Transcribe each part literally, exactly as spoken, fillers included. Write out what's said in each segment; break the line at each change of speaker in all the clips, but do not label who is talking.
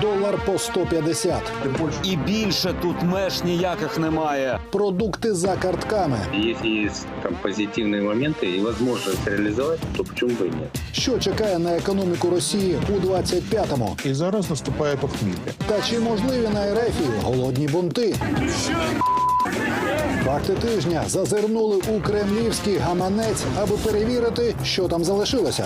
долар по сто п'ятдесят.
І більше тут меж ніяких немає.
Продукти за картками.
Если есть там позитивные моменты и возможность реализовать, то почему бы и нет?
Що чекає на економіку Росії у двадцять п'ятому?
І зараз наступає похмілля.
Та чи можливі на РФі голодні бунти? Факти тижня зазирнули у кремлівський гаманець, аби перевірити, що там залишилося.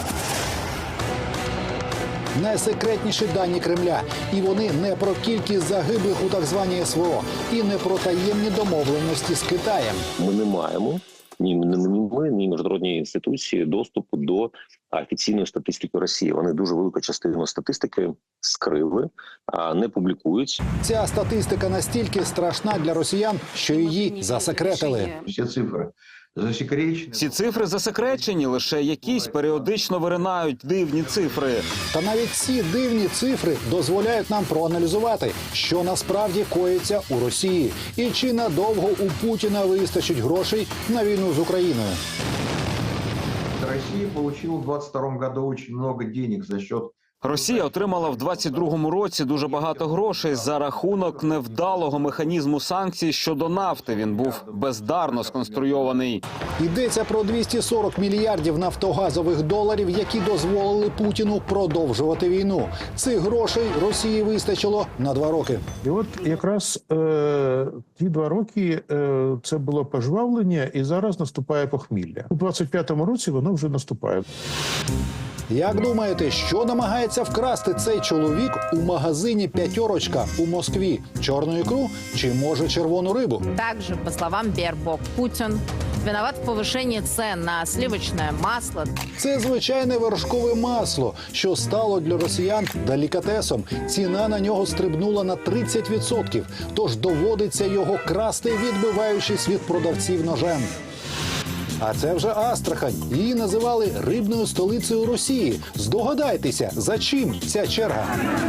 Найсекретніші дані Кремля. І вони не про кількість загиблих у так званій СВО. І не про таємні домовленості з Китаєм.
Ми не маємо, ні ми, ні міжнародні інституції доступу до офіційної статистики Росії. Вони дуже велику частину статистики скрили, не публікують.
Ця статистика настільки страшна для росіян, що її засекретили.
Всі цифри засекречені.
Ці цифри засекречені, лише якісь періодично виринають дивні цифри.
Та навіть ці дивні цифри дозволяють нам проаналізувати, що насправді коїться у Росії. І чи надовго у Путіна вистачить грошей на війну з Україною.
Россия получила в двадцать втором году очень много денег за счет...
Росія отримала в двадцять другому році дуже багато грошей за рахунок невдалого механізму санкцій щодо нафти. Він був бездарно сконструйований.
Йдеться про двісті сорок мільярдів нафтогазових доларів, які дозволили Путіну продовжувати війну. Цих грошей Росії вистачило на два роки.
І от якраз е, ті два роки е, це було пожвавлення, і зараз наступає похмілля. У двадцять п'ятому році воно вже наступає.
Як думаєте, що намагається вкрасти цей чоловік у магазині «П'ятерочка» у Москві? Чорну ікру чи, може, червону рибу?
Также, по словам Бербок, Путин виноват в повышении цен на сливочное масло.
Це звичайне вершкове масло, що стало для росіян делікатесом. Ціна на нього стрибнула на тридцять відсотків, тож доводиться його красти, відбиваючись від продавців ножем. А це вже Астрахань. Її називали рибною столицею Росії. Здогадайтеся, за чим ця черга?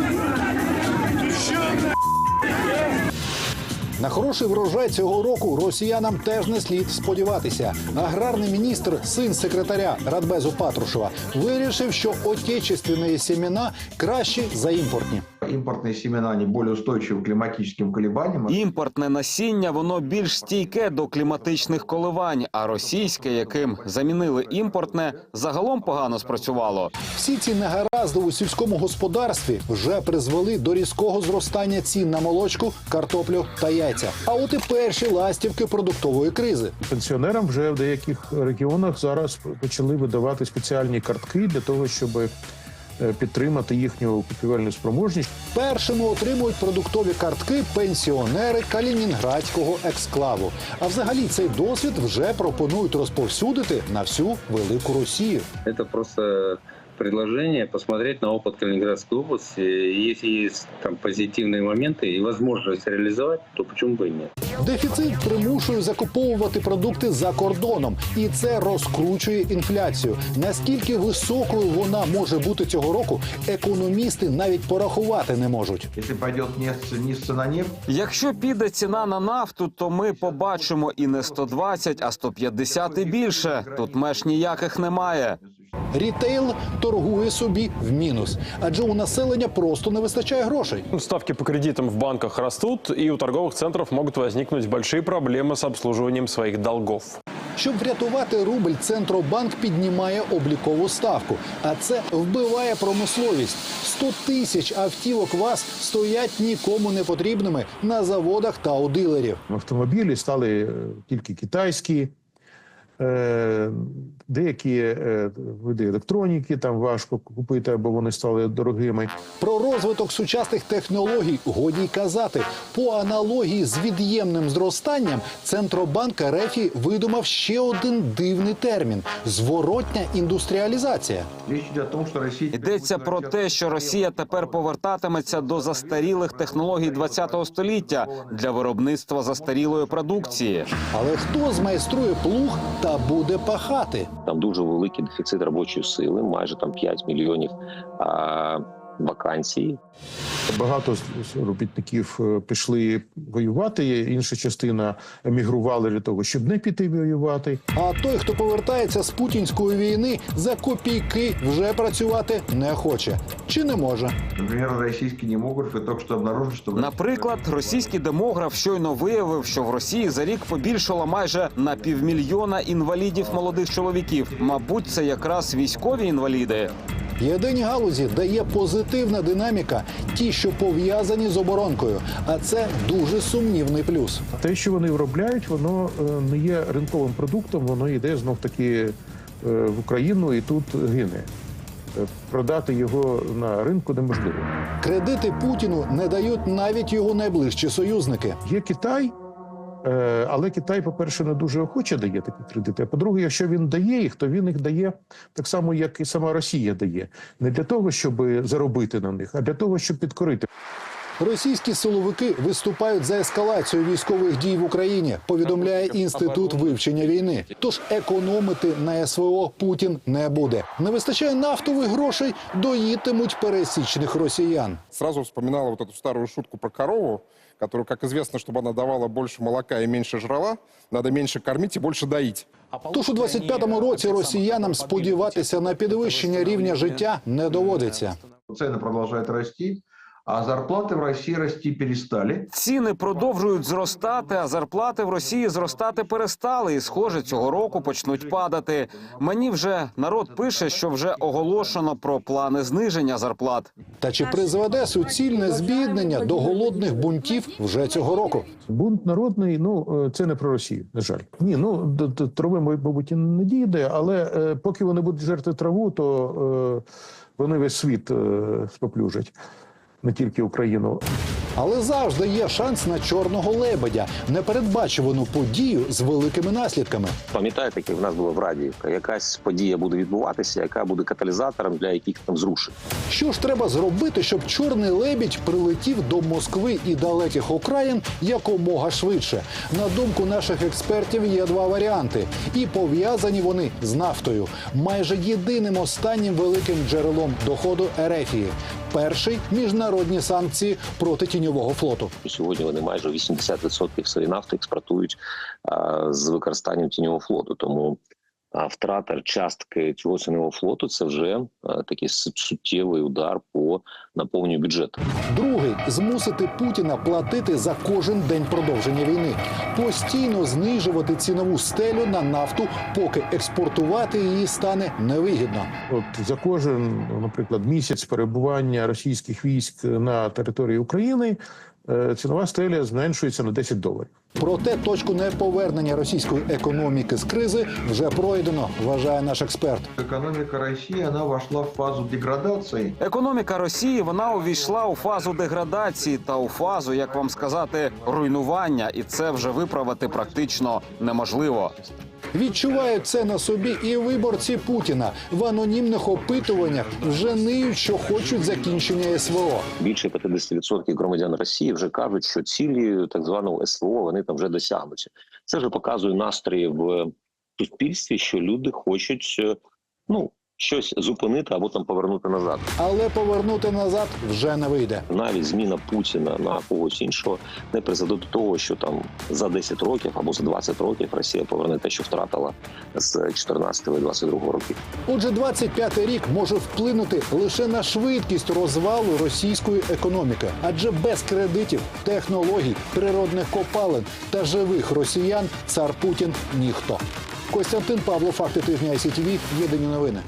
На хороший врожай цього року росіянам теж не слід сподіватися. Аграрний міністр, син секретаря Радбезу Патрушева, вирішив, що отечественні семена кращі за імпортні.
Импортные семена, они более устойчивы к климатическим колебаниям.
Імпортне насіння, воно більш стійке до кліматичних коливань, а російське, яким замінили імпортне, загалом погано спрацювало.
Всі ці негаразди у сільському господарстві вже призвели до різкого зростання цін на молочку, картоплю та яйця. А от і перші ластівки продуктової кризи.
Пенсіонерам вже в деяких регіонах зараз почали видавати спеціальні картки для того, щоб підтримати їхню купівельну спроможність.
Першими отримують продуктові картки пенсіонери Калінінградського ексклаву. А взагалі цей досвід вже пропонують розповсюдити на всю велику Росію.
Это просто предложение посмотреть на опыт Калининградской области. Если есть там позитивные моменты и возможность реализовать, то почему бы и нет?
Дефіцит примушує закуповувати продукти за кордоном. І це розкручує інфляцію. Наскільки високою вона може бути цього року, економісти навіть порахувати не можуть.
Если пойдет вниз цена нефти,
Якщо піде ціна на нафту, то ми побачимо і не сто двадцять, а сто п'ятдесят і більше. Тут меж ніяких немає.
Рітейл торгує собі в мінус, адже у населення просто не вистачає грошей.
Ставки по кредитам в банках растут, и у торговых центров могут возникнуть большие проблемы с обслуживанием своих долгов.
Щоб врятувати рубль, Центробанк піднімає облікову ставку. А це вбиває промисловість. сто тисяч автівок ВАЗ стоять нікому не потрібними на заводах та у дилерів.
Автомобілі стали е, тільки китайські, е, деякі е, види електроніки там важко купити, або вони стали дорогими.
Про розвиток сучасних технологій годі й казати. По аналогії з від'ємним зростанням, Центробанк РФ видумав ще один дивний термін – зворотня індустріалізація.
речь идет о том, что Россия...
Йдеться про те, що Росія тепер повертатиметься до застарілих технологій ХХ століття для виробництва застарілої продукції.
Але хто змайструє плуг та буде пахати?
Там дуже великий дефіцит робочої сили, майже там п'ять мільйонів а, вакансій.
Багато з робітників е, пішли воювати, інша частина емігрували для того, щоб не піти воювати.
А той, хто повертається з путінської війни, за копійки вже працювати не хоче. Чи не може?
Например, российские демографы только что обнаружили, что...
Наприклад, російський демограф щойно виявив, що в Росії за рік побільшало майже на півмільйона інвалідів молодих чоловіків. Мабуть, це якраз військові інваліди.
Єдині галузі, де є позитивна динаміка, ті, що пов'язані з оборонкою. А це дуже сумнівний плюс.
Те, що вони виробляють, воно е, не є ринковим продуктом, воно йде знов-таки е, в Україну і тут гине. Е, Продати його на ринку неможливо.
Кредити Путіну не дають навіть його найближчі союзники.
Є Китай, е, але Китай, по-перше, не дуже охоче дає такі кредити. А по-друге, якщо він дає їх, то він їх дає так само, як і сама Росія дає. Не для того, щоб заробити на них, а для того, щоб підкорити.
Російські силовики виступають за ескалацію військових дій в Україні, повідомляє Інститут вивчення війни. Тож економити на СВО Путін не буде. Не вистачає нафтових грошей, доїтимуть пересічних росіян.
Сразу вспоминала вот эту старую шутку про корову, которую, как известно, чтобы она давала больше молока и меньше жрала, надо меньше кормить и больше доить.
Тож у двадцять п'ятому році росіянам сподіватися на підвищення рівня життя не доводиться.
Цены продолжают расти, а зарплаты в России расти перестали.
Ціни продовжують зростати, а зарплати в Росії зростати перестали. І, схоже, цього року почнуть падати. Мені вже народ пише, що вже оголошено про плани зниження зарплат.
Та чи призведе суцільне збіднення до голодних бунтів вже цього року?
Бунт народний, ну, е, це не про Росію, на жаль. Ні, ну, до, до трави, мабуть, і не дійде, але е, поки вони будуть жерти траву, то е, вони весь світ е, споплюжать. Не тільки Україну.
Але завжди є шанс на чорного лебедя, непередбачувану подію з великими наслідками.
Пам'ятаєте, як в нас було в Радіївка? Якась подія буде відбуватися, яка буде каталізатором для яких там зрушень.
Що ж треба зробити, щоб чорний лебідь прилетів до Москви і далеких окраїн якомога швидше? На думку наших експертів, є два варіанти. І пов'язані вони з нафтою. Майже єдиним останнім великим джерелом доходу Ерефії. Перший – міжнародні санкції проти тіньового флоту.
Сьогодні вони майже вісімдесят відсотків своєї нафти експортують а, з використанням тіньового флоту. Тому а, втрата частки цього тіньового флоту – це вже а, такий суттєвий удар по наповненню бюджету.
Другий – змусити Путіна платити за кожен день продовження війни. Постійно знижувати цінову стелю на нафту, поки експортувати її стане невигідно.
От за кожен, наприклад, місяць перебування російських військ на території України е, цінова стеля зменшується на десять доларів.
Проте точку неповернення російської економіки з кризи вже пройдено, вважає наш експерт.
Экономика России, она вошла в фазу деградации.
Економіка Росії, вона увійшла у фазу деградації та у фазу, як вам сказати, руйнування. І це вже виправити практично неможливо.
Відчувають це на собі і виборці Путіна. В анонімних опитуваннях вже ниють, що хочуть закінчення СВО.
Більше п'ятдесят відсотків громадян Росії вже кажуть, що цілі так званого СВО вони там вже досягнуться. Це вже показує настрої в суспільстві, що люди хочуть, ну, щось зупинити або там повернути назад.
Але повернути назад вже не вийде.
Навіть зміна Путіна на когось іншого не призведе до того, що там за десять років або за двадцять років Росія поверне те, що втратила з чотирнадцятого і двадцять другого років.
Отже, двадцять п'ятий рік може вплинути лише на швидкість розвалу російської економіки. Адже без кредитів, технологій, природних копалин та живих росіян цар Путін – ніхто. Костянтин Павло, факти тижня ай сі ті ві, єдині новини.